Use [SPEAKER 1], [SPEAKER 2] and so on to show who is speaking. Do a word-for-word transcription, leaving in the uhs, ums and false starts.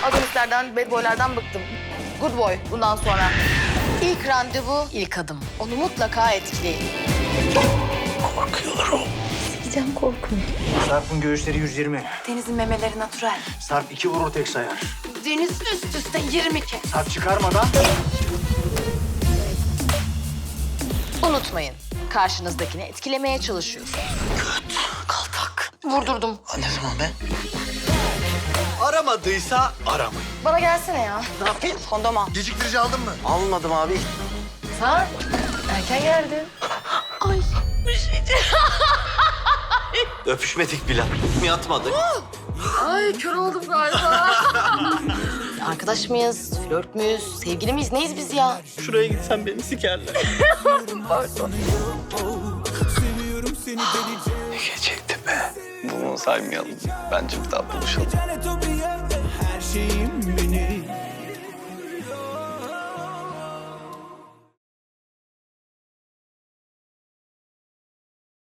[SPEAKER 1] Agonistlerden, bad boylardan bıktım. Good boy bundan sonra. İlk randevu, ilk adım. Onu mutlaka etkileyin.
[SPEAKER 2] Korkuyorlar o.
[SPEAKER 1] Gideceğim korkun.
[SPEAKER 2] Sarp'ın göğüsleri yüz yirmi.
[SPEAKER 1] Deniz'in memeleri natural.
[SPEAKER 2] Sarp iki vurur tek sayar.
[SPEAKER 1] Deniz üst üste yirmi kez.
[SPEAKER 2] Sarp çıkarmadan.
[SPEAKER 1] Unutmayın, karşınızdakini etkilemeye çalışıyorsunuz.
[SPEAKER 2] Göt, kaltak.
[SPEAKER 1] Vurdurdum.
[SPEAKER 2] Ne zaman be? Aramadıysa aramayın.
[SPEAKER 1] Bana gelsene ya.
[SPEAKER 2] Ne yapayım?
[SPEAKER 1] Kondom al.
[SPEAKER 2] Geciktirici aldın mı? Almadım abi.
[SPEAKER 1] Sen erken geldin. Ay.
[SPEAKER 2] Öpüşmedik bile. Yatmadık.
[SPEAKER 1] Ay kör oldum galiba. Arkadaş mıyız, flört müyüz, sevgili miyiz, neyiz biz ya?
[SPEAKER 2] Şuraya gitsen beni sikerler.
[SPEAKER 1] Pardon.
[SPEAKER 2] Ne geceydi be. Bunu saymayalım. Bence bir daha buluşalım.
[SPEAKER 3] Her şeyim benim.